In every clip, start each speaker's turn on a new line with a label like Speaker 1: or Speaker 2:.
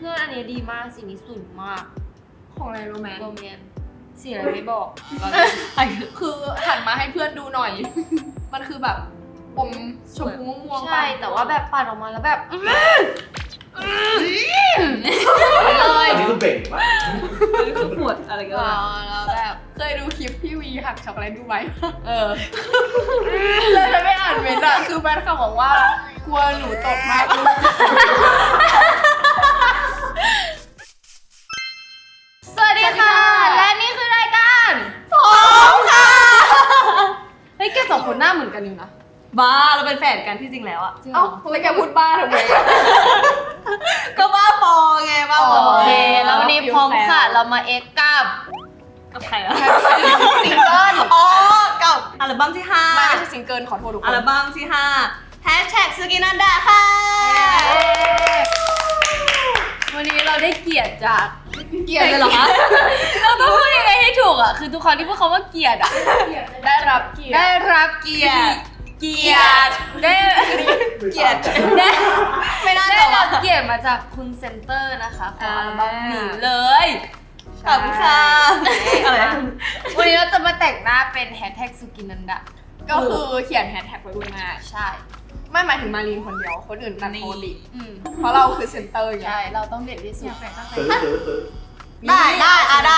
Speaker 1: พื่อนอันนี้ดีมากสีนี้สวยมาก
Speaker 2: ของอะไรรู้ไหม
Speaker 1: โรแมนสีอะไรไม่บอก
Speaker 2: คือหันมาให้เพื่อนดูหน่อย มันคือแบบอมชมพูม่วงๆ
Speaker 1: ใช่แต่ว่าแบบปัดออกมาแล้วแบบเลย
Speaker 3: อันนี้คือเบ่งปะ
Speaker 4: นี่คือปวดอะไรกัน
Speaker 1: แล้วแบบ
Speaker 2: เคยดูคลิปพี่วีหักช็อกโกแลตดูไหมเลยจะไม่อ่านเมนต์อะคือแฟนคลับบอกว่ากลัวหนูตกมากลูก
Speaker 1: สวัสดีค่ะ และนี่คือรายการพร้อมค่ะเฮ้ยแกสองคนหน้าเหมือนกันอยู่นะ
Speaker 4: บ้าเราเป็นแฟนกันที่จริงแล้วอะ
Speaker 2: เอ้าแล้วแกพูดบ้าทำไม
Speaker 4: ก็บ้าปอไงบ้าปอ
Speaker 1: โอเคแล้ววันนี้พร้อมค่ะเรามาเอ็กซ์กับ
Speaker 4: กับใครอะ
Speaker 2: ซิงเกิล
Speaker 4: อ๋อกับอัลบั้มที่5
Speaker 2: ไม่ใช่ซิงเกิลขอโทษทุกค
Speaker 4: อั
Speaker 2: น
Speaker 4: ลบั้มที่5 #สุกินันดาค่ะ
Speaker 1: วันนี้เราได้เกียรติจาก
Speaker 2: เกลียดเลยเหรอคะ
Speaker 1: เราต้องพูดยังไงให้ถูกอ่ะคือทุกครั้งที่พูดคำว่าเกียรติอ่ะ
Speaker 2: ได้รับเกียรติ
Speaker 1: ได้รับเกียรติเกียรติได้
Speaker 4: เกลียด
Speaker 1: ได้
Speaker 4: ไม่น่า
Speaker 1: ได้
Speaker 4: จะ
Speaker 1: รั
Speaker 4: ว่า
Speaker 1: บเกียรติมาจากคุณเซนเตอร์นะคะของอัลบั้มนี้เลย
Speaker 4: ขอบคุณค่ะอะไร
Speaker 1: วันนี้เราจะมาแต่งหน้าเป็นแฮชแท็กสุกินันดะ
Speaker 2: ก็คือเขียนแฮชแท็กไว้บนหน้า
Speaker 1: ใช่
Speaker 2: ไม่หมายถึงมารีนคนเดียว คนอื่นตัดโพลิ
Speaker 1: อืม
Speaker 2: เพราะเราคือเซนเตอร์ไง
Speaker 1: ใช่เราต้องเด่นที่สุด
Speaker 3: ซื้อ
Speaker 4: ได้ได้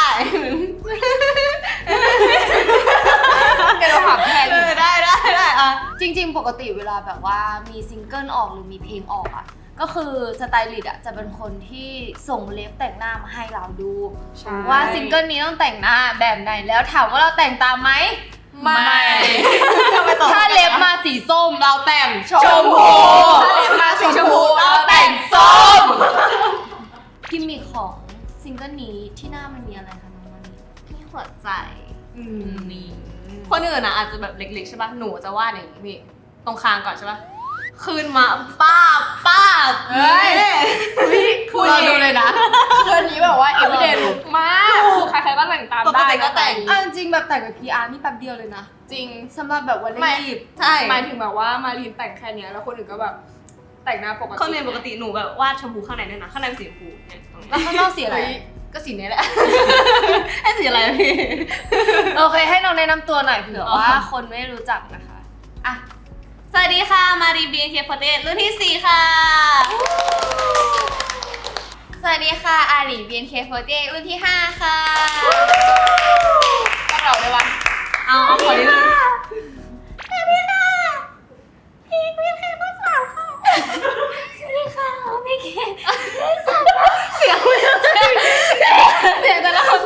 Speaker 2: แกเราถามแทน
Speaker 4: ได้อะ
Speaker 1: จริงๆ ปกติเวลาแบบว่ามีซิงเกิลออกหรือมีเพลงออกอ่ะก็คือสไตลิสต์อ่ะจะเป็นคนที่ส่งเล็บแต่งหน้ามาให้เราดู ว่าซิงเกิลนี้ต้องแต่งหน้าแบบไหนแล้วถามว่าเราแต่งตามไหม
Speaker 2: ไม่
Speaker 1: ถ้าเล็บมาสีส้มเราแต่งชมพู
Speaker 2: ถ้าเล็บมาสีชมพู
Speaker 1: เราแต่งส้มกิมมิคของซิงเกิลนี้ที่หน้ามันมีอะไรคะน้องมันมีหัวใจ
Speaker 4: นี่คนอื่นอะอาจจะแบบเล็กๆใช่ป่ะหนูจะวาดอย่างนี้พี่ตรงคางก่อนใช่ป่ะคืนมาป้าบ
Speaker 2: เฮ้ย
Speaker 1: พูดดูเลยนะ
Speaker 2: คืออันนี้แบบว่าเอวิเดนมากคือใครๆก็แต่งตาม
Speaker 4: ปก
Speaker 2: ได้
Speaker 4: ติก็แต่ง
Speaker 1: อ่ะจริงๆแบบแต่งกับ PR นี่แป๊บเดียวเลยนะ
Speaker 2: จริง
Speaker 1: สำหรับแบบวัน
Speaker 2: ไม่
Speaker 1: รีบ
Speaker 4: ใช่
Speaker 2: หมายถึงแบบว่ามารีนแต่งแค่เนี้ยแล้วคนอื่นก็แบบแต่งหน้าปกติ
Speaker 4: คนเรียนปกติหนูแบบวาดชมพูข้างในด้วยนะข้างในเป็นสีชมพูเนี่ยตรงนี้
Speaker 1: แล้วข้างนอกสีอะไร
Speaker 2: เฮ้ยก็สีนี้แหละ
Speaker 4: ให้สีอะไรอะพี่
Speaker 1: โอเคให้น้องแนะนำตัวหน่อยเผื่อว่าคนไม่รู้จักนะคะอ่ะ
Speaker 4: สวัสดีค่ะมารีบีนเคฟเตรุ่นที่4ค่ะสวัสดีค่ะอารีบีนเคฟเตรุ่นที่5ค่ะ
Speaker 2: ต้องเราได้ปะ
Speaker 4: เอาขอนิดนึง
Speaker 1: เสียงแต่ละคน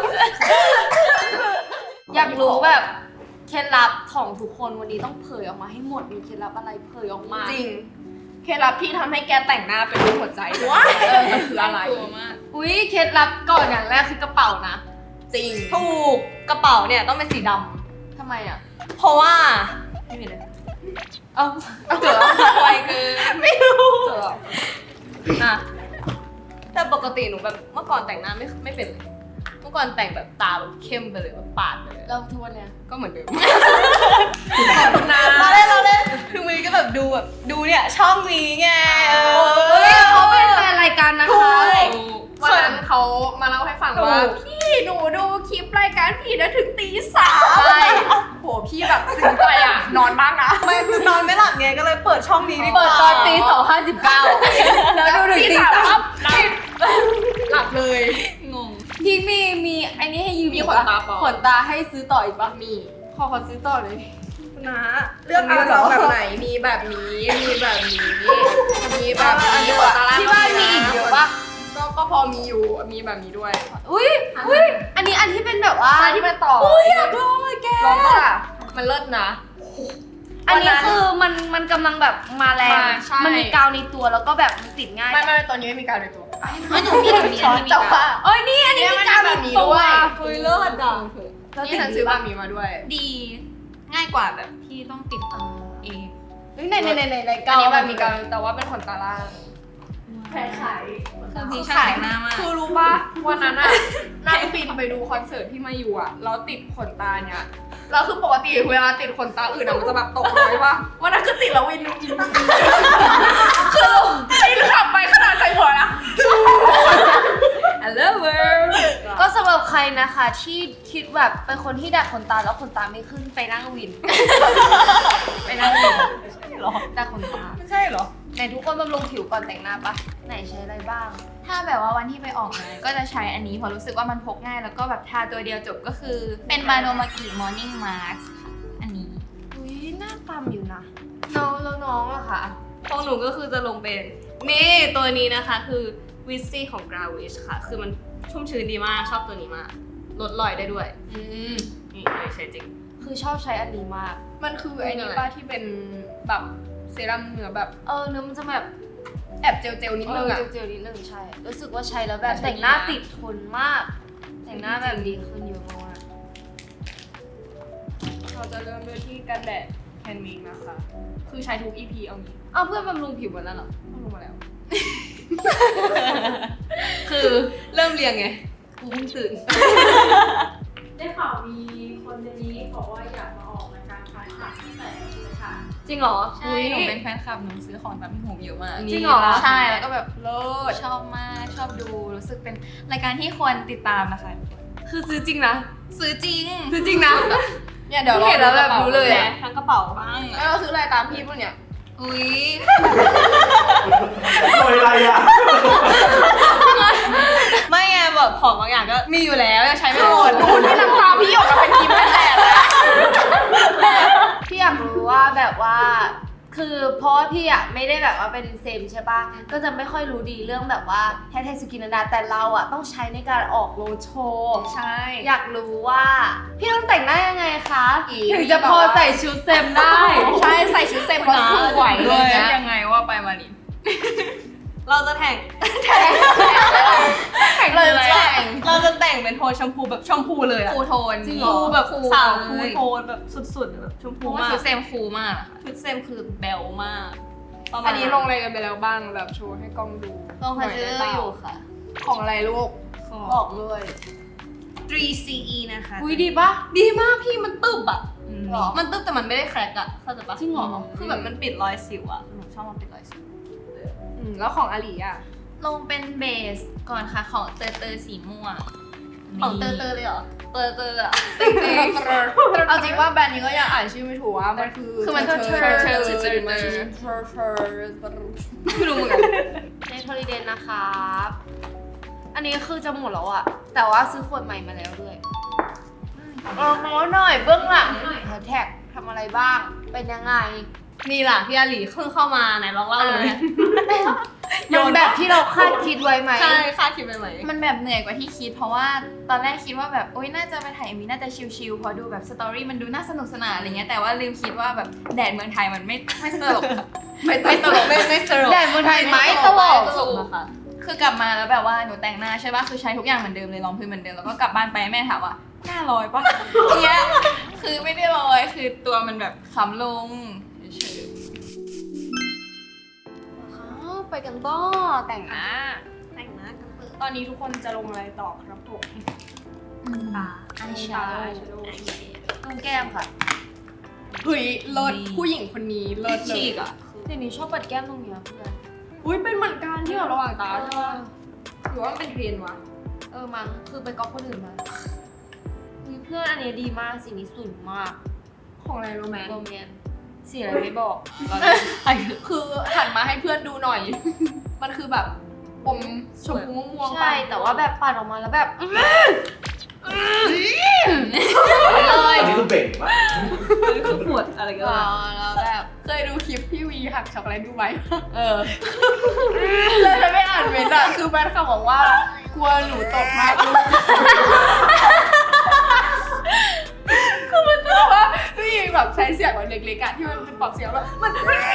Speaker 1: อยากรู้แบบเคล็ดลับของทุกคนวันนี้ต้องเผยออกมาให้หมดมีเคล็ดลับอะไรเผยออกมา
Speaker 2: จริงเคล็ดลับที่ทำให้แกแต่งหน้าเป็นรูปหัวใจมันคืออะไร
Speaker 1: อุ้ยเคล็ดลับก่อนอย่างแรกคือกระเป๋านะ
Speaker 2: จริง
Speaker 4: ถูกกระเป๋าเนี่ยต้องเป็นสีด
Speaker 1: ทำไมอ่ะ
Speaker 4: ำเพราะว่าไม่มีเลย
Speaker 1: เอา
Speaker 2: เจอ
Speaker 4: ไวเกิน
Speaker 2: ไม่รู้เจอ
Speaker 4: อ่ะแต่ปกติหนูแบบเมื่อก่อนแต่งหน้าไม่เป็นเลยเมื่อก่อนแต่งแบบตาแบบเข้มไปเลยแบบปาดไปเลย
Speaker 1: เราทุกวันเนี่ย
Speaker 4: ก็เหมือนเดิม
Speaker 2: ขอบคุณนะ
Speaker 4: เราเล่นคือมีก็แบบดูเนี่ยช่องนี้ไง
Speaker 1: เฮ้ยเขาเป็นแฟนรายการนะคะ
Speaker 2: วันนั้นเขามาเล่าให้ฟังว่าพี่หนูดูคลิปรายการพี่นะถึงตี 3 ใช่โหพี่แบบซึ้งใจอ่ะนอนบ้างนะ
Speaker 4: ไม่นอนไม่หลับไงก็เลยเปิดช่องนี้ดีก
Speaker 1: เปิด
Speaker 4: ว่า
Speaker 1: ตอนตี 2:59แล้วดูถึงตี 3
Speaker 2: หลับเลย
Speaker 4: งง
Speaker 1: พี่มีไอ้นี่ให้ยืม
Speaker 2: มีขนตาปลอม
Speaker 1: ขนตาให้ซื้อต่ออีกปะ
Speaker 2: มี
Speaker 1: ขอซื้อต่อเลย
Speaker 2: นะเลือกเอาจะเอาแบบไหนมีแบบนี้มีแบบนี้มีแบบนี้
Speaker 1: ที่บ้านมีอีกเยอะปะ
Speaker 2: ก็พอมีอยู่มีแบบนี้ด้วย
Speaker 1: อุ้ยอันนี้อันที่เป็นแบบว่า
Speaker 2: ใช่ที่มันต่อ
Speaker 1: อยากลองเลยแก
Speaker 2: ลองป่ะมันเลิศนะ
Speaker 1: อันนี้คือมันกำลังแบบมาแรง
Speaker 2: ใช่
Speaker 1: มันมีกาวในตัวแล้วก็แบบมันติดง่าย
Speaker 2: ไม่ตัวนี้ไม่มีกาวในตัว
Speaker 4: ไม่หนูมีแบบนี้
Speaker 2: ช้อน
Speaker 4: มี
Speaker 2: แต่ว่า
Speaker 1: เอ้ยนี่อันนี้มีกาว
Speaker 2: แบบนี้ด้วย
Speaker 4: เฮ้ยเลิศอ่ะ
Speaker 2: นี่ฉันซื้อแบบนี้มาด้วย
Speaker 4: ดีง่ายกว่าแบบที่ต้องติดเอง
Speaker 1: เฮ้ยไหน
Speaker 2: อั
Speaker 1: กาน ว
Speaker 2: นี้แบบมีกาวแต่ว่าเป็นขนตาล่าง
Speaker 1: แพงขาย
Speaker 4: คือพี่ขายหน้ามาก
Speaker 2: คือรู้ป่ะวันนั้นอะนั่งฟินไปดูคอนเสิร์ตที่มาอยู่อะแล้วติดขนตาเนี่ยแล้วคือปกติเวลาติดขนตาอื่นอะมันจะแบบตกน้อยป่ะวันนั้นคือติดแล้ววินคือวินขับไปขนาดใส่หัวนะ
Speaker 1: นะคะที่คิดแบบเป็นคนที่ดัดขนตาแล้วขนตาไม่ขึ้นไปนั่งวิน ไปนั่งวิน
Speaker 4: ใช่หรอ
Speaker 1: ดัดขนตา
Speaker 4: ไม่ใช่หรอ
Speaker 1: ไหนทุกคนบำรุงผิวก่อนแต่งหน้าปะไหนใช้อะไรบ้าง
Speaker 2: ถ้าแบบว่าวันที่ไปออกงานก็จะใช้อันนี้เพราะรู้สึกว่ามันพกง่ายแล้วก็แบบทาตัวเดียวจบก็คือเป็นบาโนมากิมอร์นิ่งมาร์ค่ะอันนี้
Speaker 1: อุ้ยหน้าตามอยู่นะน้องแล้วน้องอะค่ะ
Speaker 4: ของหนูก็คือจะลงเป็นนี่ตัวนี้นะคะคือวิซซี่ของ Gravish ค่ะ คือมันชุ่มชื้นดีมากชอบตัวนี้มากลดรอยได้ด้วยนี่เลยใช้จริง
Speaker 1: คือชอบใช้อันนี้มาก
Speaker 2: มันคือไอ้นี่ป้าที่เป็นแบบเซรั่มเนื้อแบบ
Speaker 1: เนื้อมันจะแบบ
Speaker 2: แอบเจลๆนิดนึงอะ
Speaker 1: เจลๆนิดนึงใช่ รู้สึกว่าใช้แล้วแบบ
Speaker 2: ใช้
Speaker 1: แต่งหน้า
Speaker 2: ดีนะ
Speaker 1: ติดทนมาก แต่งหน้าแบบดีขึ้นเยอะมาก
Speaker 2: เราจะเริ่มด้วยที่กันแดดแคนมิงนะคะ คือใช้ทุก EP เอางี้
Speaker 1: เอาเพื่อนบำรุงผิวหมดแล้วเหรอ
Speaker 2: ต้องลงมาแล้ว
Speaker 4: คือเริ่มเรียงไงกูเพิ่งตื่น
Speaker 5: ได้ข่าวมีคนในนี้บอกว่าอยากมาออกรายการคลายขับตั้งแต่เลยค่ะ
Speaker 1: จริงเหรอ
Speaker 2: ใช่หนูเป็นแฟนคลับหนูซื้อของตามพี่โฮมเยอะมาก
Speaker 1: จริงเหรอ
Speaker 2: ใช่แล้วก็แบบเลิศชอบมากชอบดูรู้สึกเป็นรายการที่ควรติดตามนะคะ
Speaker 1: คือซื้อจริงนะ
Speaker 2: ซื้อจริง
Speaker 1: ซื้อจริงนะ
Speaker 2: เนี่ยเดี๋ยว
Speaker 1: เห็นแล้วแบบรู้เลยอะ
Speaker 4: ทั้งกระเป๋าบ้าง
Speaker 2: แล้วเราซื้ออะไรตามพี่พวกเนี่ย
Speaker 4: อุ้ย
Speaker 3: โดยอะไรอ่ะ
Speaker 4: ไม่ไงแบบของบางอย่างก็มีอยู่แล้วยังใช้ไม่หมด
Speaker 2: ดูที่น้ำตาพี่ออกมาเป็นทีมกันแดดเลย
Speaker 1: พี่อยากรู้ว่าแบบว่า คือเพราะว่าพี่อะไม่ได้แบบว่าเป็นเซมใช่ปะก็จะไม่ค่อยรู้ดีเรื่องแบบว่าแฮชแท็กสกินนาแต่เราอะต้องใช้ในการออกโรดโชว์
Speaker 2: ใช่
Speaker 1: อยากรู้ว่าพี่ต้องแต่งหน้ายังไงคะ
Speaker 2: อี
Speaker 1: ถึงจะพอใส่ชุดเซมได้
Speaker 2: ใช่ใส่ชุดเซมแล้วสวย
Speaker 4: เลย
Speaker 2: ยังไงว่าไปมานิน
Speaker 4: เราจะแต่ง
Speaker 2: แข่งเลยแข่ง
Speaker 4: เราจะแต่งเป็นโทนชมพูแบบชมพูเลยอะ
Speaker 2: คูโทน
Speaker 1: จริงเหรอ
Speaker 4: คูแบบ
Speaker 2: คู
Speaker 4: สาว
Speaker 2: เล
Speaker 4: คู
Speaker 2: ย
Speaker 4: โทนแบบสุดๆแบบชม
Speaker 2: เพ
Speaker 4: พู
Speaker 2: ราะว่า
Speaker 4: มา
Speaker 2: ชุ
Speaker 4: ก
Speaker 2: ดเซมคูลมากอะ
Speaker 4: ชุดเซมคือแบลมากประมาณ
Speaker 2: อันนี้ลงอะไรกันไปแล้วบ้างแบบโชว์ให้กล้องดู
Speaker 1: ลงคอนซีลเลอร์อยู่ค่ะ
Speaker 2: ของอะไรลูก
Speaker 1: บอกเลย
Speaker 4: 3CE นะคะ
Speaker 1: อุ้ยดีปะ
Speaker 4: ดีมากพี่มันตึบอะ
Speaker 1: หรอ
Speaker 4: มันตึบแต่มันไม่ได้แครกอะเข้าใจปะ
Speaker 1: จริงเหรอ
Speaker 4: คือแบบมันปิดรอยสิวอะหนูชอบมันปิดรอยสิว
Speaker 2: แล้วของอาลีอ่ะ
Speaker 6: ลงเป็นเบสก่อนค่ะของเตอร์เตอร์สีม่วง
Speaker 4: ของเตอร์เลยเหรอ
Speaker 6: เตอร์เตอร์อะ
Speaker 2: เอาจริงว่าแบรนด์นี้ก็ยังอ่านชื่อไม่ถูกว่ามันคือ
Speaker 6: คือมัน
Speaker 2: เธอ
Speaker 6: เธอ
Speaker 2: ไม่รู้เหมือนกัน
Speaker 1: ในทอริเดนนะครับ อันนี้คือจะหมดแล้วอะแต่ว่าซื้อขวดใหม่มาแล้วด้วยโม้หน่อยเบื้องหลังแฮชแท็กทำอะไรบ้าง เป็นยังไง
Speaker 4: นี่ล่ะพี่อาหลีเพิ่งเข้ามาไหนลองเล่าเลย
Speaker 1: มันแบบที่เราคาดคิดไว้ไหม
Speaker 4: ใช่คาดคิดไปไหม
Speaker 2: มันแบบเหนื่อยกว่าที่คิดเพราะว่าตอนแรกคิดว่าแบบโอ๊ยน่าจะไปถ่ายมีน่าจะชิลๆเพราะดูแบบสตอรี่มันดูน่าสนุกสนานอะไรเงี้ยแต่ว่าลืมคิดว่าแบบแดดเมืองไทยมันไม่ตลก ไม่ตลกไม่สนุก
Speaker 1: แดดเมืองไทยไหมตลก
Speaker 4: นะคะ
Speaker 2: คือกลับมาแล้วแบบว่าหนูแต่งหน้าใช่ป่ะคือใช้ทุกอย่างเหมือนเดิมเลยรองพื้นเหมือนเดิมแล้วก็กลับบ้านไปแม่ถามว่าหน้าลอยปะอย่างเงี้ยคือไม่ได้ลอยคือตัวมันแบบค้ำลงเฉย
Speaker 1: ไปกันต่อแต่งหน้า
Speaker 4: แต่งหน้ากันเปิด
Speaker 2: ๆตอนนี้ทุกคนจะลงอะไรต่อครับผม
Speaker 6: อายแชโดว์
Speaker 1: ลงแก้มค่ะ
Speaker 2: เฮ้ยเลิศผู้หญิงคนนี้เลิศเลย
Speaker 4: ฉีกอ่ะ
Speaker 1: เดี๋ยวนี้ชอบปัดแก้มตรงเนี้ยเพื่อน
Speaker 2: อุ้ยเป็นเหมือนกันที่แบบระหว่างตาใช่ปะหรือว่ามันเป็นเทรนด์วะ
Speaker 1: มั้งคือไปก๊อปคนอื่นมามีเพื่อนอันนี้ดีมากสีนี้สวยมาก
Speaker 2: ของอะไรรู้ไหม
Speaker 1: โรแมนสีอะไรไม่บอก
Speaker 2: คือหันมาให้เพื่อนดูหน่อย มันคือแบบอมชมพูม่วงๆ
Speaker 1: ใช่
Speaker 2: ปะ
Speaker 1: แต่ว่าแบบปัดออกมาแล้วแบบ
Speaker 3: อันนี้คือเบ่งปะ
Speaker 4: คือปวดอะไรกัน
Speaker 1: ว้าว
Speaker 4: วะ
Speaker 1: แล้วแบบ
Speaker 2: เคยดูคลิปพี่วีหักช็อกโกแลตดูไหม
Speaker 4: เออ
Speaker 2: เลยไม่อ่านเมนต์อะคือแฟนคลับบอกว่ากลัวหนูตกมากลูกคือมันคือว่าพี่วีแบบใช้เสียงแบบเล็กๆอะที่มันเป็นปรับเสียงแบบมัน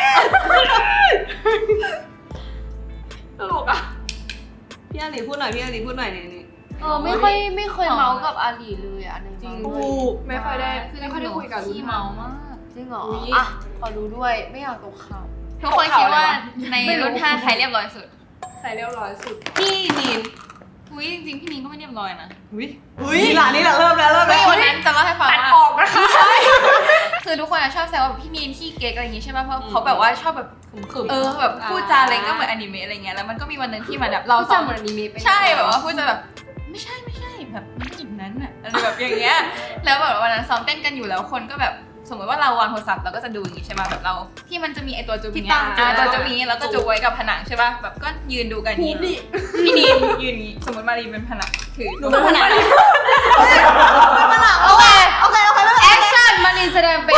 Speaker 2: ตลกอะ
Speaker 4: พี่อาหลีพูดหน่อยพี่อาหลีพูดหน่อยนี่
Speaker 1: ไม่เคยเมาส์กับอาลีเลยอ่ะใน
Speaker 2: จริง
Speaker 1: บาง
Speaker 4: ถูก
Speaker 2: ไม่ค่อยได้คุยกับรุ่น
Speaker 6: ขี้
Speaker 2: เมา
Speaker 6: เมามาก
Speaker 1: จริงเหรอ
Speaker 2: อุ๊ย
Speaker 1: อ่ะขอรู้ด้วยไม่อยากตกข่าว
Speaker 6: ทุกคนคิดว่าในรุ่นห้าใครเรียบร้อยสุด
Speaker 2: ใส่เรียบร้อยสุด
Speaker 4: พี่นีน
Speaker 6: อุ้ยจริงๆพี่นิ้งก็ไม่เรียบร้อยนะ
Speaker 4: นี่ล่ะนี่ล่ะเริ่มแล้ว
Speaker 6: ไม่วันนั้นจะเล่าให้ฟัง
Speaker 2: ตัด
Speaker 6: ว่า
Speaker 2: ออกนะคะ
Speaker 6: คือทุกคนอะชอบแซวว่าพี่มีนขี้เก๊กอะไรอย่างงี้ใช่ไหมเพราะเขาแบบว่าชอบแบบ
Speaker 4: ขึม
Speaker 6: แบบพูดจาอะไรก็เหมือนอนิเมะอะไรเงี้ยแล้วมันก็มีวันหนึงที่มันแบบเรา
Speaker 2: เรา
Speaker 6: สอ
Speaker 2: จำ
Speaker 6: ง
Speaker 2: เหมือนอนิเมะไป
Speaker 6: ใช่แบบว่าพูดจะแบบไม่ใช่แบบไม่ใช่แบบนั้นน่ะอะไรแบบอย่างเงี้ยแล้วแบบวันนั้นซ้อมเต้นกันอยู่แล้วคนก็แบบสมมติว่าเราวางโทรศัพท์เราก็จะดูอย่างงี้ใช่ป่ะแบบเราที่มันจะมีไอตัวจุ๊บอย่างเงี้ยตัวจุ๊บนี้แล้วก็จุ๊บไว้กับผนังใช่ป่ะแบบก็ยืนดูกันนี้พี่นีมยืนงี้สมมติมารีเป็นผนังถือ
Speaker 2: หนูเป็นผนัง
Speaker 1: โอเคแอคชั่นมารีแสดงเป็น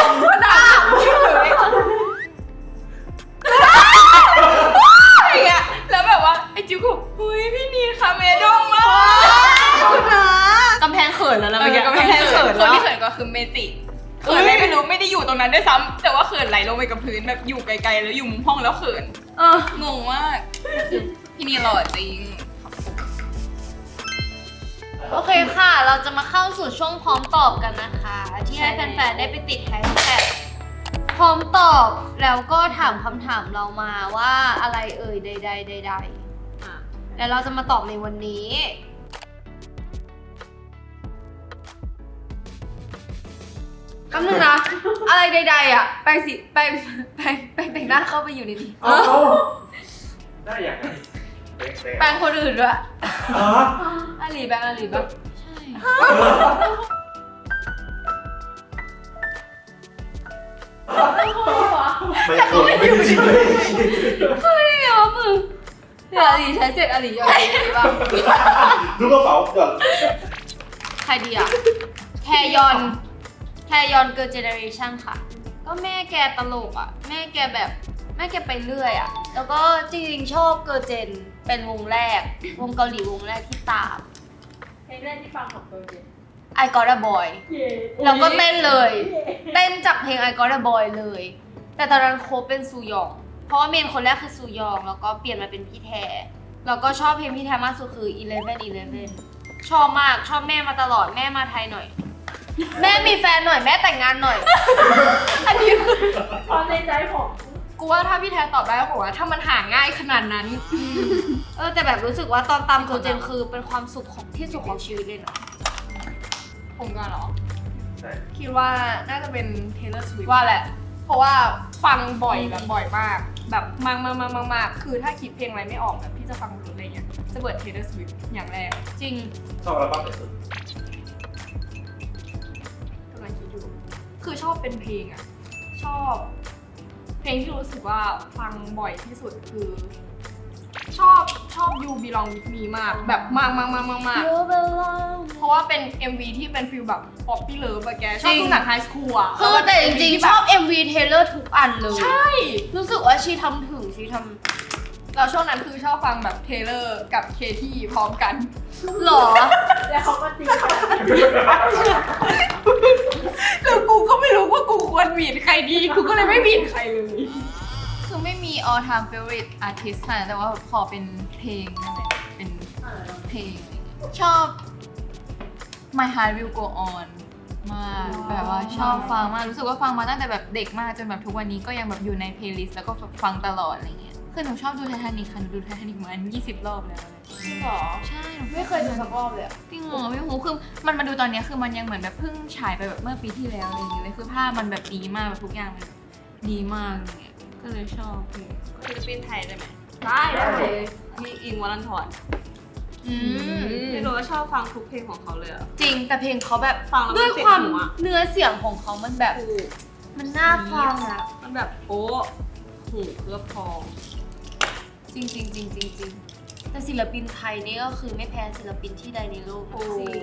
Speaker 6: อย่างเงี้ยแล้วแบบว่าไอจิ๋วก็เฮ้ยพี่นีค่ะเมดงมาก
Speaker 1: กำแพงเขินแล้วนะ
Speaker 6: เมื่
Speaker 1: เมื่
Speaker 6: อ
Speaker 1: อ
Speaker 6: กี้
Speaker 1: กี้
Speaker 6: กำแพงเขินคนที่เขินก็คือเมจิเขินไม่รู้ไม่ได้อยู่ตรงนั้นด้วยซ้ำแต่ว่าเขินไหลลงไปกับพื้นแบบอยู่ไกลๆแล้วอยู่มุมห้องแล้วเขินงงมากพี่นีหล่อจริง
Speaker 1: โอเคค่ะ เราจะมาเข้าสู่ช่วงพร้อมตอบกันนะคะ ที่ให้แฟนๆได้ไปติดแฮชแท็กพร้อมตอบแล้วก็ถามคำถามเรามาว่าอะไรเอ่ยใดๆแล้วเราจะมาตอบในวันนี้คำนึงนะ อะไรใดๆอ่ะไปแต่งหน้าเข้าไปอยู่ในนี้
Speaker 3: เอาได้อย่างไร
Speaker 1: แปลงคนอื่นด้วย
Speaker 3: อ๋อ
Speaker 1: อาลีแปลงอาลีปะ
Speaker 3: ไม่ถูกไม่จริงเลย
Speaker 1: ไม่ยอมมึงเดี๋ยวอาลีใช้เสร็จอาลียอมดีป่ะ
Speaker 3: ดูกระเป๋าก่อน
Speaker 1: ใครดีอ่ะแทยอนเกิร์ลเจเนอเรชันค่ะ ก็แม่แกตลกอ่ะ แม่แกไปเรื่อยอ่ะ แล้วก็จริงๆชอบเกิร์ลเจนเป็นวงแรก วงเกาหลีวงแรกที่ตาม
Speaker 5: เพลงแรกที่ฟังของตัวเอง
Speaker 1: I Got a Boy แล้วก็เต้นเลย เต้นจากเพลง I Got a Boy เลย แต่ตอนนั้นโคบเป็นซูยอง เพราะว่าเมนคนแรกคือซูยอง แล้วก็เปลี่ยนมาเป็นพี่แท แล้วก็ชอบเพลงพี่แทมากสุดคือ 11 ชอบมาก ชอบแม่มาตลอด แม่มาไทยหน่อย แม่มีแฟนหน่อย แม่แต่งงานหน่อย อันนี้คือ
Speaker 5: ความในใจของ
Speaker 2: กูว่าถ้าพี่แทนตอบได้ก็บอกว่าถ้ามันหาง่ายขนาดนั้น
Speaker 1: แต่แบบรู้สึกว่าตอนตามโกเจนคือเป็นความสุขของที่สุดของชีวิตเลยนะ
Speaker 2: ผมก็เหรอ
Speaker 3: ใช่
Speaker 2: คิดว่าน่าจะเป็น Taylor Swift
Speaker 1: ว่าแหละ
Speaker 2: เพราะว่าฟังบ่อยแบบบ่อยมาก แบบมากคือถ้าคิดเพลงอะไรไม่ออกแบบพี่จะฟังรู้อะไรเงี้ยจะเปิด Taylor Swift อย่างแรก
Speaker 1: จริง
Speaker 3: ชอบอัลบั้มไหนสุด
Speaker 2: กำลังคิดอยู่คือชอบเป็นเพลงอะชอบเพลงที่รู้สึกว่าฟังบ่อยที่สุดคือ ชอบ You Belong With Me มากแบบมากเพราะว่าเป็น MV ที่เป็นฟิลแบบ Poppy Love อะแกชอบดูหนังไฮสคูลอะ
Speaker 1: คือแต่จริงๆชอบ MV Taylor ทุกอันเลย
Speaker 2: ใช่
Speaker 1: รู้สึกว่าชีทำถึงชีท
Speaker 2: เราช่วงนั้นคือชอบฟังแบบเทเลอร์กับเคที่พร้อมกัน
Speaker 1: ำหรอ
Speaker 5: แล้วเขาก็ตีกัน
Speaker 2: แล้วกูก็ไม่รู้ว่ากูควรหวีดใครดี กูก็เลยไม่หวีดใครเลย
Speaker 6: คือไม่มี all time favorite artist ค่ะแต่ว่าขอเป็นเพลงนั่นแหละเป็นเพลงอะไรเงี้ยชอบ My Heart Will Go On มากแบบว่าชอบฟังมากรู้สึกว่าฟังมาตั้งแต่แบบเด็กมากจนแบบทุกวันนี้ก็ยังแบบอยู่ในเพลย์ลิสต์แล้วก็ฟังตลอดอะไรเงี้ยคือหนูชอบดูไททานิคค่ะหนูดูไททานิคมา20 รอบแล้ว
Speaker 1: จริงเหรอ
Speaker 6: ใช่หนู
Speaker 1: ไม่เคยดูสักรอบเลยอะ
Speaker 6: จริงเหรอพี่หูคือมันมาดูตอนเนี้ยคือมันยังเหมือนแบบเพิ่งฉายไปแบบเมื่อปีที่แล้วอะไรอย่างเงี้ยเลยคือภาพมันแบบดีมากแบบทุกอย่างมันดีมากอะไรเงี้ยก็เลยชอบเพลง
Speaker 4: ศิลปินไทยได้ไหม
Speaker 5: ได้เลย
Speaker 4: พี่อิงวัลันทร
Speaker 1: อืม
Speaker 4: ไม่รู้ว่าชอบฟังทุกเพลงของเขาเลยอะ
Speaker 1: จริงแต่เพลงเขาแบบ
Speaker 4: ฟังแล้ว
Speaker 1: ด้วย
Speaker 4: มันติด
Speaker 1: ความ
Speaker 4: หูอะ
Speaker 1: เนื้อเสียงของเขามันแบบ มันน่าฟังอะ
Speaker 4: มันแบบโอ้หูเคลือบทอง
Speaker 1: จริงแต่ศิลปินไทยนี่ก็คือไม่แพ้ศิลปินที่ใดในโลก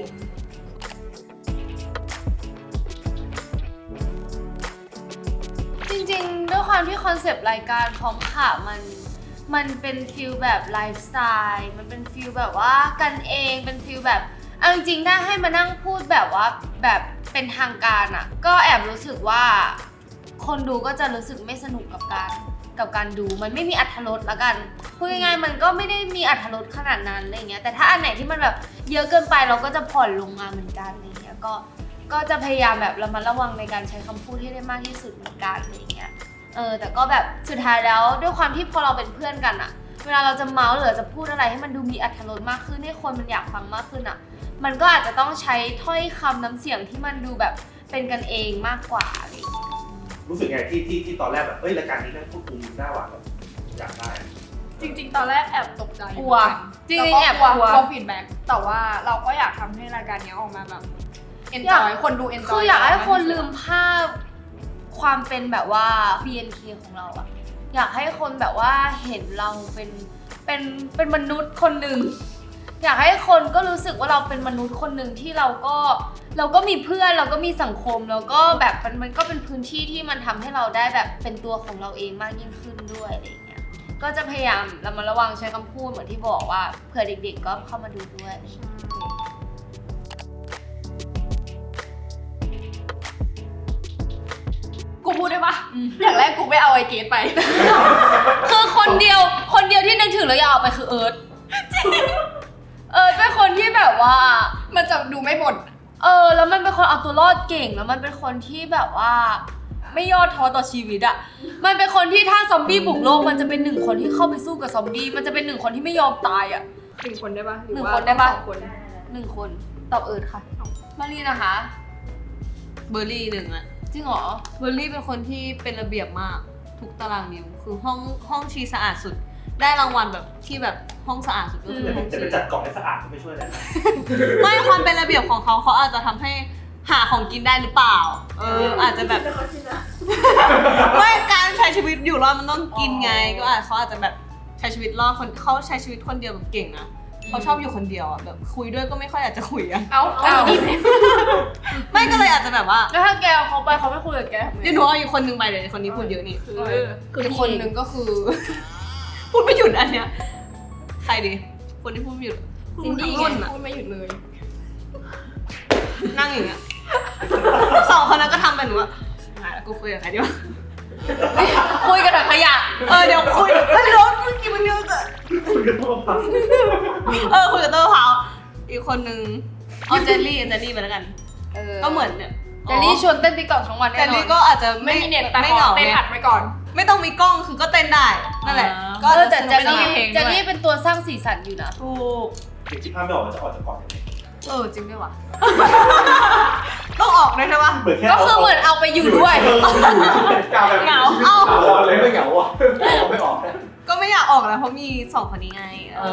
Speaker 1: จริงๆด้วยความที่คอนเซปต์รายการพร้อมค่ะมันเป็นฟิลแบบไลฟ์สไตล์มันเป็นฟิลแบบว่ากันเองเป็นฟิลแบบเอาจริงๆถ้าให้มานั่งพูดแบบว่าแบบเป็นทางการอ่ะก็แอบรู้สึกว่าคนดูก็จะรู้สึกไม่สนุกกับการดูมันไม่มีอรรถรสละกันพูดง่ายๆมันก็ไม่ได้มีอรรถรสขนาดนั้นอะไรเงี้ยแต่ถ้าอันไหนที่มันแบบเยอะเกินไปเราก็จะผ่อนลงมาเหมือนกันอะไรเงี้ยก็จะพยายามแบบระมัดระวังในการใช้คำพูดให้ได้มากที่สุดเหมือนกันอะไรเงี้ยแต่ก็แบบสุดท้ายแล้วด้วยความที่พอเราเป็นเพื่อนกันอะเวลาเราจะเมาส์หรือจะพูดอะไรให้มันดูมีอรรถรสมากขึ้นให้คนมันอยากฟังมากขึ้นอะมันก็อาจจะต้องใช้ถ้อยคำน้ำเสียงที่มันดูแบบเป็นกันเองมากกว่าอะไรเงี้ย
Speaker 3: รู้สึกไงที่ตอนแรกแบบรายการนี้แม่งควบคุมหน้าหวานแบบอยากได้
Speaker 5: จริงๆ ตอนแรกแอบตกใจ
Speaker 1: กลัวจริงๆแอบกลัว
Speaker 5: ฟีดแบ็กแต่ว่าเราก็อยากทำให้รายการนี้ออกมาแบบ enjoy คนดู enjoy
Speaker 1: คืออยากให้คนลืมภาพความเป็นแบบว่า BNK ของเราอะอยากให้คนแบบว่าเห็นเราเป็นมนุษย์คนหนึ่งอยากให้คนก็รู้สึกว่าเราเป็นมนุษย์คนหนึ่งที่เราก็มีเพื่อนเราก็มีสังคมแล้วก็แบบมันก็เป็นพื้นที่ที่มันทำให้เราได้แบบเป็นตัวของเราเองมากยิ่งขึ้นด้วยอะไรอย่างเงี้ยก็จะพยายามระมัดระวังใช้คำพูดเหมือนที่บอกว่าเผื่อเด็กๆก็เข้ามาดูด้วย
Speaker 5: กูพูดได้ปะอย่างแรกกูไม่เอาไอเกตไป
Speaker 1: คือคนเดียวที่นึกถึงแล้วอยากเอาไปคือเอิร์ธเป็นคนที่แบบว่า
Speaker 5: มันจะดูไม่หมด
Speaker 1: แล้วมันเป็นคนเอาตัวรอดเก่งแล้วมันเป็นคนที่แบบว่าไม่ย่อท้อต่อชีวิตอะมันเป็นคนที่ถ้าซอมบี้บุกโลกมันจะเป็นหนึ่งคนที่เข้าไปสู้กับซอมบี้มันจะเป็นหนึ่งคนที่ไม่ยอมตายอะ
Speaker 5: 1 คนได้ปะ
Speaker 1: หนึ่งคนได้ปะ
Speaker 5: 2 คน
Speaker 1: หนึ่งคนตอบเอิร์ธค่ะมารีนะคะ
Speaker 4: เบอร์รี่1อะ
Speaker 1: จริงเหรอ
Speaker 4: เบอร์รี่เป็นคนที่เป็นระเบียบมากทุกตารางนิ้วคือห้องชีสะอาดสุด ได้รางวัลแบบที่แบบห้องสะอาดสุดก็คือห้อง
Speaker 3: จะ
Speaker 4: ชี
Speaker 3: ไปจัดกล่องให้สะอาดก็ไม่ช่วยเลยนะ
Speaker 4: ไม่ความเป็นระเบียบของเขาอาจจะทำให้หาของกินได้หรือเปล่าอาจจะแบบไม่การใช้ชีวิตอยู่รอดมันต้องกินไงก็เขาอาจจะแบบใช้ชีวิตรอดเขาใช้ชีวิตคนเดียวแบบเก่งนะเขาชอบอยู่คนเดียวอ่ะแบบคุยด้วยก็ไม่ค่อยอยากจะคุยอ่ะ
Speaker 5: เอา
Speaker 4: ไม่ก็เลยอาจจะแบบว่า
Speaker 1: แล้วถ้าแกเอาเขาไปเขาไม่คุยกับแกทำไง
Speaker 4: เดี๋ยวหนูเอาอีกคนนึงไปเดี๋ยวคนนี้พูดเยอะนี่
Speaker 5: คือ
Speaker 4: อีกคนนึงก็คือ พูดไม่หยุดอันเนี้ยใครดีคนที่พูดไม่หยุด
Speaker 5: ซินดี้
Speaker 4: รุ่น
Speaker 5: ไง
Speaker 4: อะ
Speaker 5: พูดไม่หยุดเลย
Speaker 4: นั่งอย่างเงี้ย2 คนนั้นก็ทำไปหนูว่าหาแล้วกูคุยกับใครดีวะ
Speaker 1: คุยกับถังขยะ
Speaker 4: เดี๋ยวคุยไม่รู้มึงกินมันเยอะอะ
Speaker 3: คุยกันทั่วไป
Speaker 4: คุยกับเตอร์เผาอีกคนนึงเอาเจลลี่ไปแล้วกัน ก็เหมือนเนี่ย
Speaker 1: เจลลี่ชวนเต้นติ๊กต็อกทั้งวัน
Speaker 4: เจ
Speaker 1: แน่
Speaker 4: ล
Speaker 1: นอ
Speaker 4: ลี่
Speaker 1: น
Speaker 4: ก็อาจจะ
Speaker 5: ไม่มีเน็ตแต่
Speaker 4: ไม่
Speaker 5: ข
Speaker 4: เห
Speaker 5: อง
Speaker 4: งา
Speaker 5: เต้น
Speaker 4: ไง
Speaker 5: อัดไว้ก่อน
Speaker 4: ไม่ต้องมีกล้องคือก็เต้นได้นั่นแหละก็
Speaker 1: แต่เจล
Speaker 4: สนุก
Speaker 1: ลี่
Speaker 4: ไปเลย
Speaker 1: เจลลี่เป็นตัวสร้างสีสันอยู่นะ
Speaker 4: ถูก
Speaker 3: เด็กที่ภาพไม่ออกจะออกจากกล่องยังไง
Speaker 4: จริงด้วยว่ะต้องออกด้วยใช่ปะ
Speaker 3: เหมือนแค่
Speaker 1: ก็คือเหมือนเอาไปอยู่ด้วย
Speaker 3: เหงาเลยไม่เหงาอ่ะไม่ออก
Speaker 4: ก็ไม่อยากออกแล้วเพราะมี2 คนนี้ไง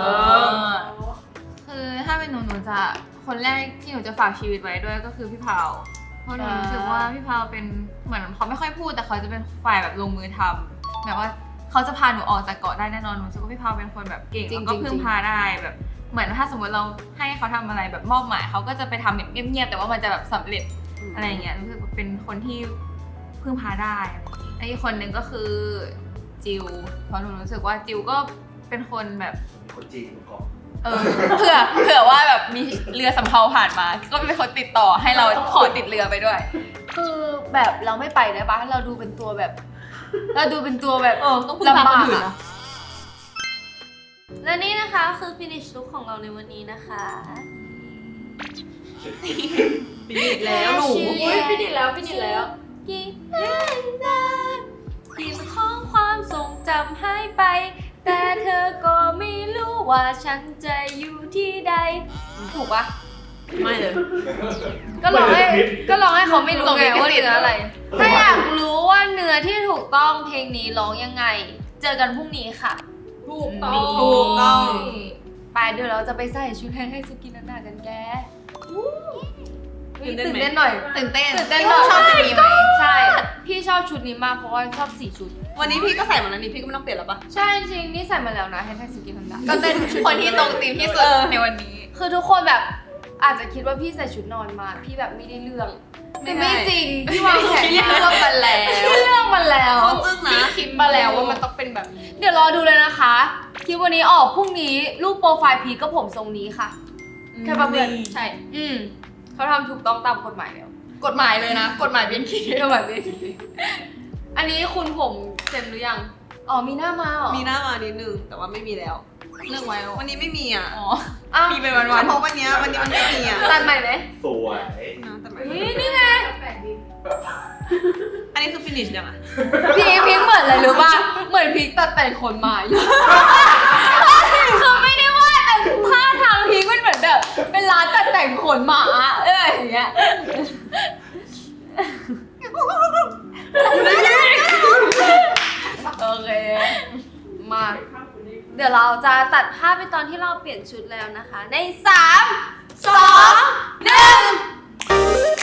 Speaker 6: คือถ้าเป็นหนูจะคนแรกที่หนูจะฝากชีวิตไว้ด้วยก็คือพี่พาวเพราะหนูรู้สึกว่าพี่พาวเป็นเหมือนเขาไม่ค่อยพูดแต่เขาจะเป็นฝ่ายแบบลงมือทำแบบว่าเขาจะพาหนูออกจากเกาะได้แน่นอนหนูรู้สึกว่าพี่พาวเป็นคนแบบเก่งแล้วก็พึ่งพาได้แบบเหมือนถ้าสมมติเราให้เขาทำอะไรแบบมอบหมายเขาก็จะไปทำแบบเงียบๆแต่ว่ามันจะแบบสำเร็จอะไรอย่างเงี้ยรู้สึกว่าเป็นคนที่พึ่งพาได้และอีกคนหนึ่งก็คือจิวเพราะหนูรู้สึกว่าจิวก็เป็นคนแบบ
Speaker 3: คนจีนก่อน
Speaker 6: เผื่อว่าแบบมีเรือสำเภาผ่านมา ก็เป็นคนติดต่อให้เราขอติดเรือไปด้วย
Speaker 1: คือแบบเราไม่ไปได้ปะเราดูเป็นตัวแบบต้องพึ่งพาคนอื่นนะและนี่นะคะคือ finish look ของเราในวันนี้นะคะ
Speaker 4: ปิดแล้วหนู
Speaker 5: พี่ดิดแล้ว
Speaker 1: ยิ่งนานที่ของความทรงจำหายไป แต่เธอก็ไม่รู้ว่าฉันจะอยู่ที่ใดถูกปะ
Speaker 4: ไม่เลย
Speaker 1: ก็ลองให้เขาไม่รู้ไงว่าเนื้ออะไร ถ้าอยากรู้ว่าเนื้อที่ถูกต้องเพลงนี้ร้องยังไง เจอกันพรุ่งนี้ค่ะ
Speaker 5: ถูกต้อง
Speaker 4: ถูกต้อง
Speaker 1: ไปเดี๋ยวเราจะไปใส่ชุดให้สุกินนากันแก
Speaker 4: ตื่นเต้นไหม
Speaker 1: ตื่นเต้นหน่อย
Speaker 6: ตื่นเต้น
Speaker 1: ตื่นเต้นหน่อย
Speaker 6: ชอบแบบนี้ไหม
Speaker 1: ใช่ พี่ชอบชุดนี้มากเพราะว่าชอบสีชุด
Speaker 4: วันนี้พี่ก็ใส่มาแล้วนี่พี่ก็ไม่ต้องเปลี่ยนแล้วปะ
Speaker 1: ใช่จริงนี่ใส่มาแล้วนะให้สุกินนา
Speaker 6: ก็เป็นคนที่ตรงธีมที่สุดในวันนี้
Speaker 1: คือทุกคนแบบอาจจะคิดว่าพี่ใส่ชุดนอนมา พี่แบบไม่ได้เรื่องแต่ไม่จริง พี่วางแผน
Speaker 6: พี่เลือกมาแล้ว
Speaker 1: พี่เรื่องมันแล้ว
Speaker 4: เขาจึ้งนะ
Speaker 5: คิดมาแล้วว่ามันต้องเป็นแบบนี้
Speaker 1: เดี๋ยวรอดูเลยนะคะคลิปวันนี้ออกพรุ่งนี้รูปโปรไฟล์พีก็ผมทรงนี้ค่ะแค่ประเมิน
Speaker 5: ใช่
Speaker 1: เขาทำถูกต้องตามกฎหมายแล้ว
Speaker 5: กฎหมายเลยนะ กฎหมายเป็นคี
Speaker 1: กฎหมายเป็นอันนี้คุณผมเซ็นหรือยังอ๋อมีหน้ามาเหรอ
Speaker 4: มีหน้ามานิดนึงแต่ว่าไม่มีแล้ว
Speaker 6: เลือกไว้แล้ว
Speaker 4: วันนี้ไม่มีอ่ะ
Speaker 6: อ๋อ
Speaker 1: อ้าว
Speaker 6: มีเป็นวัน
Speaker 4: เพราะวันนี้มันไม่มีอ่ะ
Speaker 1: ตัดใหม่ไหม
Speaker 3: สวย
Speaker 4: แต่ไม่
Speaker 1: นี่ไง
Speaker 4: อันนี้คือ finish ยังอ่ะ
Speaker 1: พีคเหมือนอะไรรู้ป่ะเหมือนพีคตัดแต่งคนมาอยู่คือไม่ได้ว่าแต่ท่าทางพีคมันเหมือนแบบเป็นร้านตัดแต่งขนหมาอะไรอย่างเงี้ยโอเคมาเดี๋ยวตัดภาพไปตอนที่เราเปลี่ยนชุดแล้วนะคะ ใน 3 2 1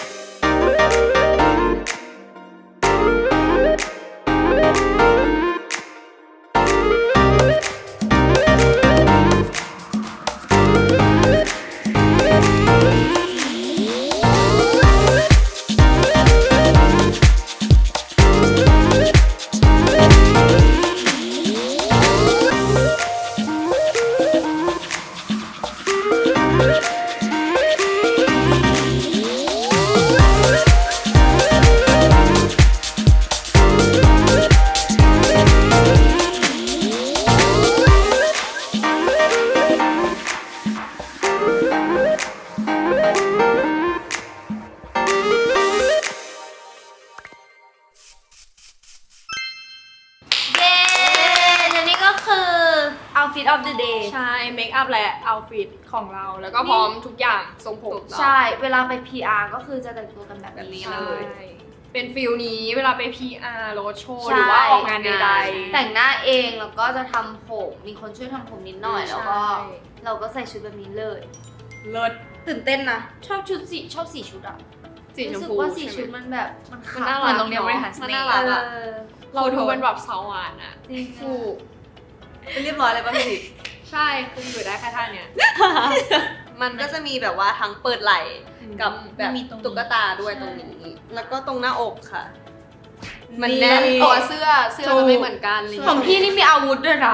Speaker 1: เย้และนี่ก็คือ outfit of the day
Speaker 5: ใช่ เมคอัพและเอาท์ฟิตของเรา แล้วก็พร้อมทุกอย่างทรงผม
Speaker 1: ใช่ เวลาไป PR ก็คือจะแต่งตัวกันแบบนี้
Speaker 5: ใช่
Speaker 1: เลย
Speaker 5: เป็นฟิลนี้เวลาไป PR โรดโชว์
Speaker 1: ใช่
Speaker 5: หรือว่าออกงานใดๆ
Speaker 1: แต่งหน้าเองแล้วก็จะทำผม มีคนช่วยทำผมนิดหน่อย
Speaker 5: ใช่
Speaker 1: แล้วก็เราก็ใส่ชุดแบบนี้เลย
Speaker 5: เลิศ
Speaker 1: ตื่นเต้นนะ ชอบชุดสีชอบสีชุดอะ
Speaker 5: สีชม
Speaker 1: รู้สึก
Speaker 5: พู
Speaker 1: ว่าสี
Speaker 5: ใช่ไหม
Speaker 1: ชุดมันแบบมัน
Speaker 5: มัน
Speaker 1: ขา
Speaker 5: น่า
Speaker 1: ด
Speaker 5: รัก
Speaker 6: โรงเรียนบริหารเส
Speaker 4: มัน
Speaker 6: น่
Speaker 4: น่า
Speaker 6: ห์
Speaker 4: รัก
Speaker 1: เอ
Speaker 4: อะ
Speaker 1: อ
Speaker 5: เราดูเป็นแบบสาวหวานอ่ะ
Speaker 1: จริง
Speaker 5: ถูก
Speaker 4: เป็นเรียบร้อยเลยป่ะพี่
Speaker 5: ใช่คืออยู่ได้แค่ท่าเนี้ย
Speaker 4: มันก็จะมีแบบว่าทั้งเปิดไหล่กับแบบ
Speaker 6: มีตรงนี้
Speaker 4: ตุ๊กตาด้วยตรงนี้ แล้วก็ตรงหน้าอกค่ะ มัน
Speaker 5: นี่
Speaker 4: แน่น
Speaker 5: ตัวเสื้อจะไม่เหมือนกันเลย
Speaker 1: ของพี่นี่มีอาวุธด้วยนะ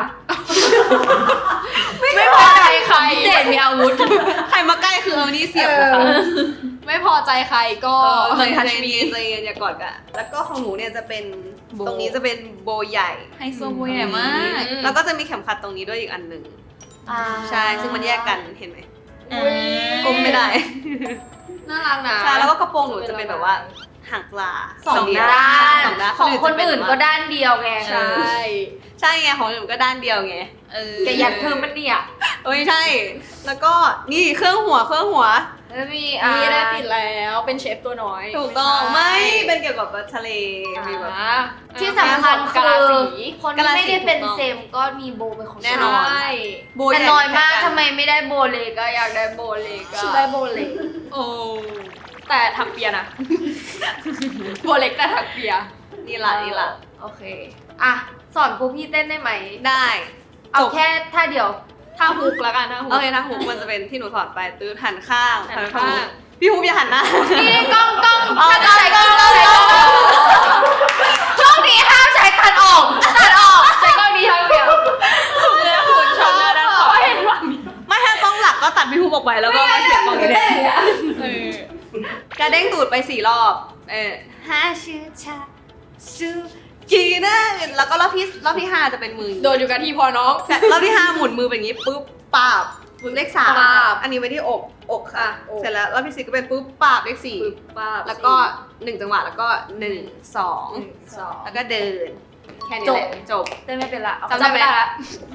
Speaker 5: ไม่พอใจใคร
Speaker 1: พิเศษมีอาวุธ
Speaker 4: ใครมาใกล้คือเอานี่เสียบนะคะ
Speaker 5: ไม่พอใจใครก็
Speaker 4: ใจเย็นใจเย็นอย่ากอดกันแล้วก็ของหนูเนี่ยจะเป็น
Speaker 6: โบ
Speaker 4: ตรงนี้จะเป็นโบใหญ่
Speaker 6: ไฮโซโบใหญ่มาก
Speaker 4: แล้วก็จะมีเข็มขัดตรงนี้ด้วยอีกอันหนึ่งใช่ซึ่งมันแยกกันเห็นไหม
Speaker 6: อ่า
Speaker 4: ก้มไม่ได้
Speaker 5: น่ารักนะ
Speaker 4: ใช่แล้วก็กระโปรงหนูจะเป็นแบบว่าหางปลา
Speaker 1: สอง
Speaker 4: เย
Speaker 1: ด้าน
Speaker 4: สองด้าน
Speaker 1: ของคนอื่นก็
Speaker 4: ได้
Speaker 1: ด้านเดียวไง
Speaker 5: ใช่
Speaker 4: ใช่ไงของหนูก็ด้านเดียวไง
Speaker 6: เออ
Speaker 1: แกยัดเพิ่มมันเนี่ย
Speaker 4: เอ้ยใช่ แล้วก็นี่เครื่องหัว
Speaker 1: แล้วมี
Speaker 5: นี่ได้ติดแล้วเป็นเชฟตัวน้อย
Speaker 4: ถูกต้อง
Speaker 5: ไม่
Speaker 4: ไม่เป็นเกี่ยวกับทะเลมีแบบ
Speaker 1: ที่สำคัญ
Speaker 5: กะลา
Speaker 1: คือ
Speaker 5: สี
Speaker 1: คนที่ไม่ได้เป็น
Speaker 4: ถูกต้อง
Speaker 1: เซมก็มีโบเป็นของ
Speaker 4: แน่นอน
Speaker 5: ใช่
Speaker 4: โบ
Speaker 1: แต่
Speaker 4: ใหญ่
Speaker 1: น้อยมาก
Speaker 4: เหนน
Speaker 1: ทำไมไม่ได้โบเล็กก็อยากได้โบเล็กอะ
Speaker 5: ชื่อได้โบเล็ก
Speaker 4: โอ้
Speaker 5: แต่ถักเปียนะ โบเล็กแต่ถักเปีย
Speaker 4: นี่ล่ะนี่ล่ะ
Speaker 1: โอเค อ่ะ สอนพวกพี่เต้นได้ไหม
Speaker 4: ได้
Speaker 1: เอา
Speaker 4: จบ
Speaker 1: แค่ท่าเดียว
Speaker 5: ถ้าฮุกแล้วกันถ้าฮุก
Speaker 4: โอเคนะฮุกมันจะเป็นที่หนูสอนไปตื้อหันข้าง
Speaker 5: หันข้าง
Speaker 4: พี่ฮุกอย่าหันหน้า
Speaker 1: นี่กล้องกล้อง
Speaker 4: เอา
Speaker 1: ถ้าจะใช้กล้อง
Speaker 4: ได้
Speaker 1: ใช้กล้องช่วงนี้ห้ามใช้ตัดออกตัดออกใช้กล้องนี้ทั้งเดียว
Speaker 5: คุณชอบหน้าด้านขวาเห็นว่า
Speaker 4: ไม่ถ้ากล้องหลักก็ตัดพี่ฮุกออกไปแล้วก็มาเสียบกล้องนี้แทน
Speaker 5: เออ
Speaker 4: กระเด้งตูดไป4 รอบฮาชื่อชาชูกีนะแล้วก็รอบที่5จะเป็นมือ
Speaker 5: โดนอยู่กันที่พอน้อง
Speaker 4: ใช่รอบที่5หมุนมือเป็นอย่างนี้ปุ๊บปาบเลข
Speaker 5: ปาบ
Speaker 4: 3อันนี้ไว้ที่อกค่ะ
Speaker 5: อก
Speaker 4: เสร็จแล้วรอบที่4ก็เป็นปุ๊บปาบเลข
Speaker 5: ปึ๊บป้าบ
Speaker 4: 4แล้วก็1จังหวะแล้วก็1 2
Speaker 5: สอง
Speaker 4: แล้วก็เดินแค่นี้แหละจบ
Speaker 1: เต้นไม่เป็นละเอา
Speaker 4: จำได้ไหม
Speaker 5: ละ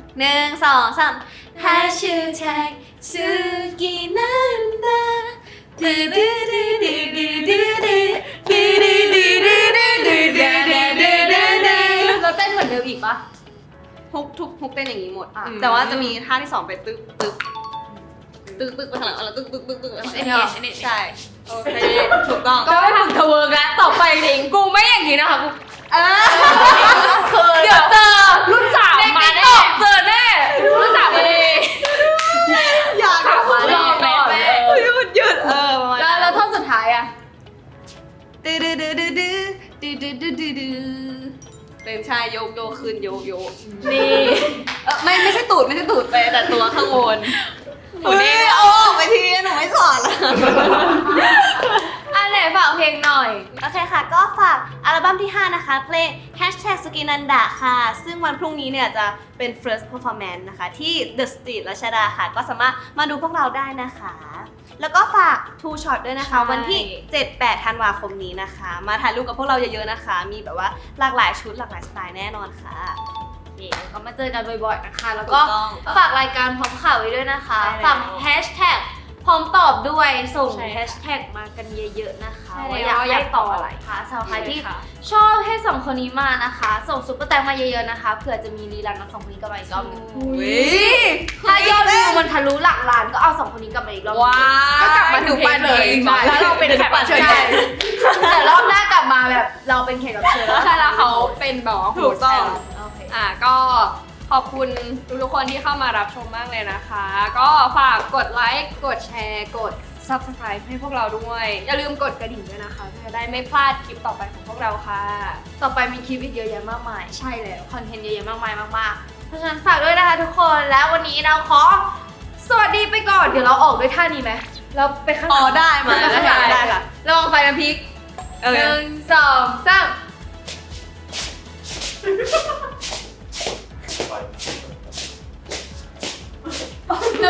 Speaker 4: 1 2 3ฮาชูชาชูกีนันดาดูดูดูดูดูดูดูดูดูดูดูดูดูดูดู
Speaker 1: เราเต้นเหมือนเดิมอีกปะ
Speaker 4: ทุกเต้นอย่างนี้หมด
Speaker 1: อ่ะ
Speaker 4: แต่ว่าจะมีท่าที่2เป็นตึ๊กตึ๊กตึ๊กตึ๊กไปข้างหลังแล้วตึ๊กตึ๊กตึ๊กตึ๊ก ใช่
Speaker 5: โอเค
Speaker 4: ถูกต้อง
Speaker 1: ก็ไม่ฝึกทะเวิร์กแล้วต่อไปจริงกูไม่อย่างนี้นะคะกู
Speaker 5: เดี๋ยวเจอรุ่นสามมาแน่
Speaker 1: เจอแน่
Speaker 5: รุ่นสามมาแน่
Speaker 4: อยาก
Speaker 5: มาแน่แม่
Speaker 4: หยุดประมาณ
Speaker 1: แล้วท่อนสุดท้ายอะ
Speaker 4: ดื้อดื้อดื้อดื้อดื้อดื้อดื้อดื้อดื้อเป็นชายโยกโยกขึ้นโยกโยก
Speaker 1: นี่
Speaker 4: ไม่ใช่ตูดไปแต่ตัวข้างบนหนูนี่เอาออกไปทีหนูไม่สอนละ
Speaker 1: อันไหนฝากเพลงหน่อย
Speaker 4: โอเคค่ะ ก็ฝากอัลบั้มที่ 5 นะคะ เพลง สุกินันดะค่ะ ซึ่งวันพรุ่งนี้เนี่ยจะเป็น first performance นะคะ ที่ The Street รัชดาค่ะ ก็สามารถมาดูพวกเราได้นะคะ แล้วก็ฝาก Two Shot ด้วยนะคะ วันที่ 7-8 ธันวาคมนี้นะคะ มาถ่ายรูปกับพวกเราเยอะๆนะคะ มีแบบว่าหลากหลายชุดหลากหลายสไตล์แน่นอนค่ะ
Speaker 1: ก็มาเจอกันบ่อยๆนะคะ แล้ว
Speaker 4: ถู
Speaker 1: ก็
Speaker 4: กต้อง
Speaker 1: ฝากรายการพร้อมข่าวไว้ด้วยนะคะ
Speaker 4: ใช่แล้ว
Speaker 1: ฝากแฮชแท็กพร้อมตอบด้วยส่ง
Speaker 7: ใช่ค่ะ
Speaker 1: แฮชแท็กมากันเยอะๆนะคะ
Speaker 7: ใช่
Speaker 1: ว่า
Speaker 7: แล้ว
Speaker 1: อยากให้ตอบ
Speaker 7: อยากตอบ
Speaker 1: อะไรค่ะสำหรับใครที่
Speaker 7: ค่ะ
Speaker 1: ชอบให้สองคนนี้มานะคะ ส่งซุปเปอร์แตงมาเยอะๆนะคะเผื่อจะมีรีลันทั้งสองคนนี้กลับมาอีกรอบหนึงถ้ายอดวิวมันทะลุหลักล้านก็เอาสองคนนี้กลับมาอีกรอบหนึ่ง
Speaker 4: ว้า
Speaker 2: ก็กลับมาดูปันเลย
Speaker 7: แล้วเราเป็นแขกรับเชิญ
Speaker 1: ใช่แต่รอบหน้ากลับมาแบบเราเป็นแขกรับเชิญ
Speaker 7: ใช่แล้วเขาเป็นแบบว่า
Speaker 4: ถูกต้อง
Speaker 1: โอเค
Speaker 7: ก็ขอบคุณทุกๆคนที่เข้ามารับชมมากเลยนะคะ ก็ฝากกดไลค์กดแชร์กด Subscribe ให้พวกเราด้วย อย่าลืมกดกระดิ่งด้วยนะคะเพื่อจะได้ไม่พลาดคลิปต่อไปของพวกเราค่ะ
Speaker 1: ต่อไปมีคลิปอีกเยอะแยะมากมาย
Speaker 7: ใช่แล้ว
Speaker 1: คอนเทนต์เยอะแยะมากมายมากๆ เพราะฉะนั้นฝากด้วยนะคะทุกคน แล้ววันนี้เราขอสวัสดีไปก่อน เดี๋ยวเราออกด้วยท่านี้ไหมเราไปข้างหลัง
Speaker 4: อ๋อได้มา
Speaker 1: เราไปข้างหลัง
Speaker 4: ได้ค่ะ
Speaker 1: ระวังไฟกระพริบ
Speaker 4: โอเค
Speaker 1: 1 2 3
Speaker 3: ไป